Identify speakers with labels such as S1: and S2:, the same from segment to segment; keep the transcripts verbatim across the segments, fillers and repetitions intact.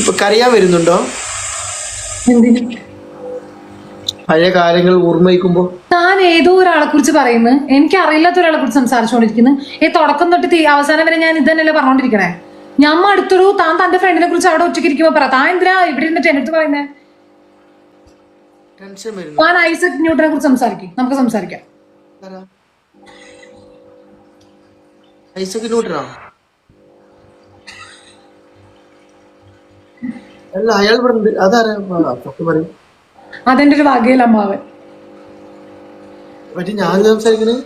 S1: ഇപ്പൊ കരയാൻ വരുന്നുണ്ടോ?
S2: എന്തിന്?
S1: പഴയ കാര്യങ്ങൾ ഓർമ്മയിക്കുമ്പോ
S2: താൻ ഏതോ ഒരാളെ കുറിച്ച് പറയുന്നു, എനിക്ക് അറിയില്ലാത്ത ഒരാളെ കുറിച്ച് സംസാരിച്ചുകൊണ്ടിരിക്കുന്നു. ഈ തുടക്കം തൊട്ട് തീ അവസാനം വരെ ഞാൻ ഇത് തന്നെയല്ലേ പറഞ്ഞോണ്ടിരിക്കണേ. ഞമ്മ അടുത്തൊരു താൻ തന്റെ ഫ്രണ്ടിനെ കുറിച്ച് അവിടെ ഒറ്റയ്ക്ക് ഇരിക്കുമ്പോ പറ. താൻ എന്തിനാ ഇവിടെ ഇരുന്നിട്ട് എന്റെ അടുത്ത് പറയുന്നേ?
S1: ടെൻഷൻ വരുന്നു.
S2: താൻ ഐസക് ന്യൂട്ടനെ കുറിച്ച് സംസാരിക്കും, നമുക്ക് സംസാരിക്കാം.
S1: ഐസക് ന്യൂട്ടനോ? അല്ല, അയാൾ ഇവിടെ അതാരാ? പറയും.
S2: അതെന്റെ ഒരു വകയിൽ അമ്മാവൻ.
S1: പറ്റി ഞാൻ സംസാരിക്കണേ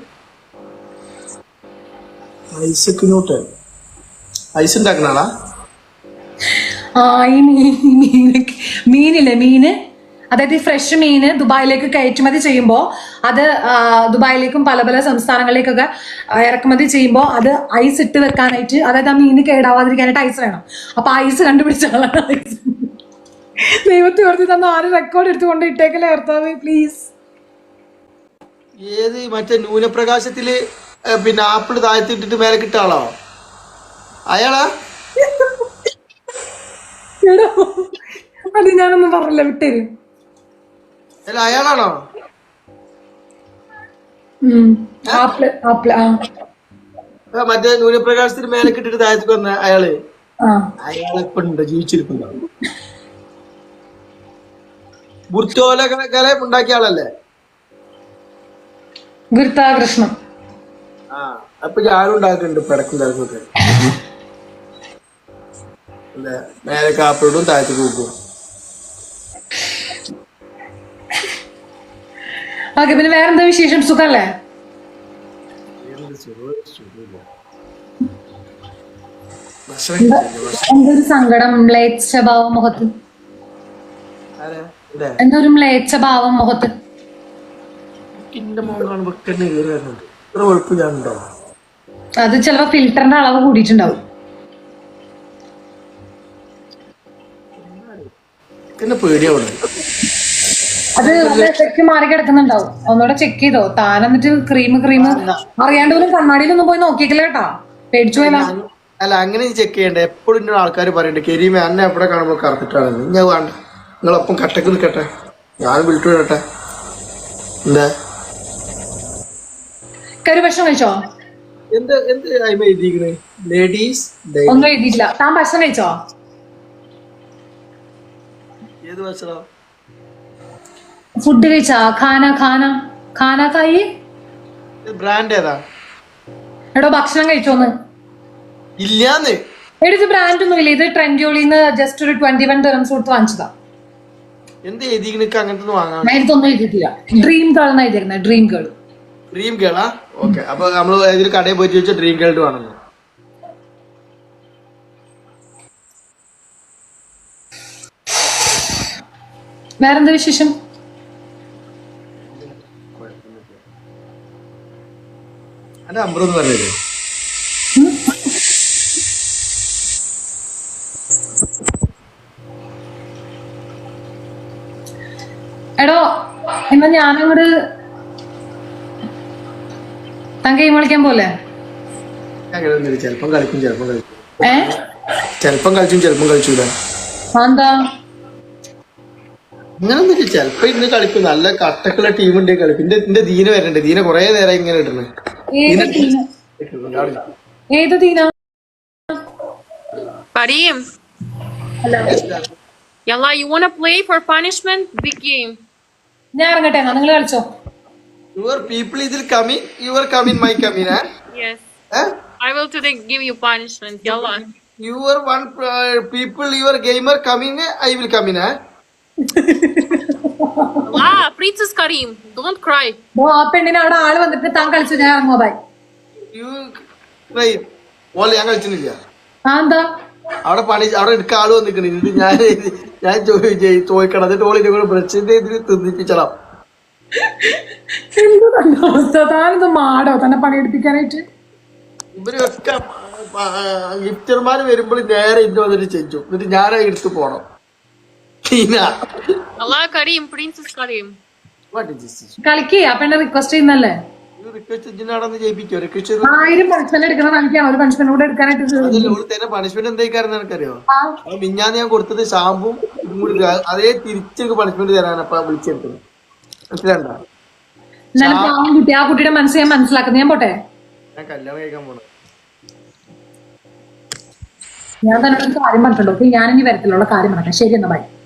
S1: ഐസക് ന്യൂട്ടൻ. ഐസ് ഉണ്ടാക്കുന്ന ആളാ?
S2: ആ ഈ മീൻ മീനില്ലേ മീന്, അതായത് ഈ ഫ്രഷ് മീന് ദുബായിലേക്ക് കയറ്റുമതി ചെയ്യുമ്പോൾ അത് ദുബായിലേക്കും പല പല സംസ്ഥാനങ്ങളിലേക്കൊക്കെ ഇറക്കുമതി ചെയ്യുമ്പോൾ അത് ഐസ് ഇട്ട് വെക്കാനായിട്ട്, അതായത് ആ മീന് കേടാവാതിരിക്കാനായിട്ട് ഐസ് വേണം. അപ്പൊ ഐസ് കണ്ടുപിടിച്ച ആളാണ് ഐസ്. ദൈവത്തെ ഓർത്തി തന്ന ആരും റെക്കോർഡ് എടുത്തുകൊണ്ട് ഇട്ടേക്കല്ലേ ഭർത്താവ്, പ്ലീസ്.
S1: ഏത് മറ്റേ ന്യൂനപ്രകാശത്തില് പിന്നെ ആപ്പിൾ താഴ്ത്തിട്ടിട്ട് മേലെ കിട്ട ആളോ? അയാളാ?
S2: എടോ അത് ഞാനൊന്നും പറഞ്ഞില്ല, വിട്ടേരും.
S1: അല്ല, അയാളാണോ?
S2: ആപ്പിള് ആപ്പിള് ആ
S1: മറ്റേ ന്യൂനപ്രകാശത്തിന് മേലെ കിട്ടിട്ട് താഴത്തേക്ക് വന്ന അയാള്?
S2: ആ
S1: അയാളെപ്പോ ഉണ്ടോ? ജീവിച്ചിരിപ്പുണ്ടോ? ബുർത്തോല കല ഉണ്ടാക്കിയ ആളല്ലേ?
S2: ഗുരുത്താകൃഷ്ണം.
S1: ആ അപ്പൊ ഞാനും ഉണ്ടാക്കുന്നുണ്ട് പിടക്കും തിരക്കൊക്കെ. അല്ലെ, മേലെ കാപ്പിടും താഴത്ത് കൂക്കും.
S2: ഓക്കെ, പിന്നെ വേറെന്താ വിശേഷം? സുഖല്ലേ? എന്തൊരു സങ്കടം, മ്ലേച്ഛ ഭാവം മുഖത്ത്. എന്തൊരു മ്ലേച്ഛ ഭാവം മുഖത്ത്. അത് ചിലപ്പോ ഫിൽറ്ററിന്റെ അളവ് കൂടിയിട്ടുണ്ടാവും. അത് എഫക്ട് മാറി കിടക്കുന്നുണ്ടാവും. ഒന്നുകൂടെ ചെക്ക് ചെയ്തോ താൻ? എന്നിട്ട് ക്രീം ക്രീം അറിയാണ്ട് പോലും കണ്ണാടിയിലൊന്നും പോയി നോക്കിയിട്ടില്ല കേട്ടാ, പേടിച്ചു പോയാ.
S1: അല്ല, അങ്ങനെ ചെക്ക് ചെയ്യണ്ട. എപ്പോഴും ആൾക്കാർ പറയണ്ടേ കരീമ അന്നെ എവിടെ കാണുമ്പോൾ കറത്തിട്ടാണെന്ന്. ഞാൻ വേണ്ട, നിങ്ങളൊപ്പം കട്ടക്ക് നിൽക്കട്ടെ, ഞാൻ വിളിച്ചു വിടട്ടെ. എന്താ
S2: കരു ഭക്ഷണം കഴിച്ചോ?
S1: എന്ത് എന്ത് അയിമ എഴുതിയിരിക്കണേ? ലേഡീസ്
S2: ഒന്നും എഴുതിയിട്ടില്ല. താൻ ഭക്ഷണം കഴിച്ചോ?
S1: ഏത് ഭക്ഷണം?
S2: ഫുഡ് കഴിച്ചാ? ഖാന ഖാന ഖാന കായി.
S1: ബ്രാൻഡ് ഏതാ?
S2: എടോ ഭക്ഷണം കഴിച്ചോന്ന്?
S1: ഇല്ലാന്ന്.
S2: എടോ ബ്രാൻഡ് ഒന്നും ഇല്ല, ഇത് ട്രെൻഡ്യോളിന്ന് ജസ്റ്റ് ഒരു ട്വന്റി വൺ ദിറംസ് കൊടുത്ത് വാങ്ങിച്ചതാ.
S1: എന്ത് എഴുതിയിരിക്കണ? അങ്ങനത്തെ വാങ്ങാൻ
S2: ഇതൊന്നും എഴുതിയിട്ടില്ല. ഡ്രീം ഗേൾ എന്നാ എഴുതിയിരിക്കുന്നത്. Dream girl.
S1: ഡ്രീം ഗേളാ? ഓക്കെ, അപ്പൊ നമ്മള് ഏതൊരു കടയിൽ പോയിട്ട് ചോദിച്ചാൽ ഡ്രീം ഗേൾഡ് വേണമെന്ന്.
S2: വേറെന്താ വിശേഷം?
S1: അന്റെ അമ്പറൊന്നും പറഞ്ഞത്
S2: എടോ എന്നാ ഞാനങ്ങോട് താൻ ഗെയിം കളിക്കാൻ പോലെ.
S1: ചെലപ്പം കളിക്കും ചെലപ്പം കളിക്കും
S2: ഏ
S1: ചെലപ്പം കളിച്ചും ചെലപ്പം കളിച്ചൂല.
S2: എന്താ
S1: അങ്ങനൊന്നും ചെലപ്പോ ഇന്ന് കളിക്കും. നല്ല കട്ടക്കുള്ള ടീം ഉണ്ട് കളിക്കും. എന്റെ എന്റെ ദീന വരണ്ടേ? ദീന കൊറേ നേരം ഇങ്ങനെ ഇടുന്നു.
S2: ഏത് ദീന?
S3: Karim.
S2: Hello.
S3: Yalla, you wanna play for punishment? Big game.
S2: ഞാൻ ഇറങ്ങട്ടെ എന്നാ, നിങ്ങൾ കളിച്ചോ.
S1: Your people ഇതിൽ coming, your coming, my coming, eh?
S3: Yes.
S1: Eh?
S3: I will today give you punishment. Yalla.
S1: Your one uh, people, your gamer coming, I will come in, eh?
S3: Ah, Princess Karim, don't cry.
S2: ആ പെണ്ണിനെ അവിടെ ആള് വന്നിട്ട് താൻ കളിച്ചു, ഞാൻ ഇറങ്ങുമോ? Bye.
S1: You right. All ഞാൻ കളിച്ചിട്ടില്ല.
S2: ആ എന്താ
S1: അവിടെ പണി അവിടെ എടുക്ക ആള് വന്നിക്കണ. ഇത് ഞാൻ ഞാൻ ചോദിക്കണം. എന്നിട്ട് ഓളിന്റെ കൂടെ ബ്രഷിന്റെ ഇതിൽ തിന്നിപ്പിച്ചണം.
S2: അവസ്ഥ, താനെന്ത് മാടോ തന്നെ പണിയെടുപ്പിക്കാനായിട്ട്?
S1: ഇവരൊക്കെ ഗിഫ്റ്റർമാര് വരുമ്പോൾ നേരെ ഇന്ന് വന്നിട്ട് ചെഞ്ചു. എന്നിട്ട് ഞാനാ എടുത്ത് പോണം.
S3: Allah Karim, Princess Karim.
S1: What is this?
S2: കളിക്കേ, ആ പെണ്ണെ റിക്വസ്റ്റ് ചെയ്യുന്നല്ലേ?
S1: റിക്വസ്റ്റ് ഇതിനാണെന്ന് ജയിപ്പിക്കോ റിക്വസ്റ്റ്
S2: ആയിരം പണിഷ്മെന്റ് എടുക്കുന്ന കാണിക്കാണ് ഒരു പണിഷ്മെന്റ് കൂടെ എടുക്കാനായിട്ട്
S1: അതല്ല ഓള് തരുന്ന പണിഷ്മെന്റ് എന്തായിക്കാരെന്ന് എനിക്കറിയോ
S2: ആ,
S1: അത് മിഞ്ഞാന്ന് ഞാൻ കൊടുത്തത് ഷാമ്പും ഇതും കൂടി ഇടുക. അതേ തിരിച്ചെനിക്ക് പണിഷ്മെന്റ് തരാനാണ് അപ്പൊ വിളിച്ചെടുത്തത് മനസ്സിലാണ്ട
S2: എന്നാലും പാവം കുട്ടി ആ കുട്ടിയുടെ മനസ്സ് ഞാൻ മനസ്സിലാക്കുന്നത് ഞാൻ പോട്ടെ
S1: ഞാൻ കല്യാണം കഴിക്കാൻ പോണത്
S2: ഞാൻ തന്നെ ഒരു കാര്യം പറഞ്ഞിട്ടുണ്ടോ ഞാൻ ഇനി വരത്തിലുള്ള കാര്യം പറഞ്ഞേ ശരി എന്നാ ബൈ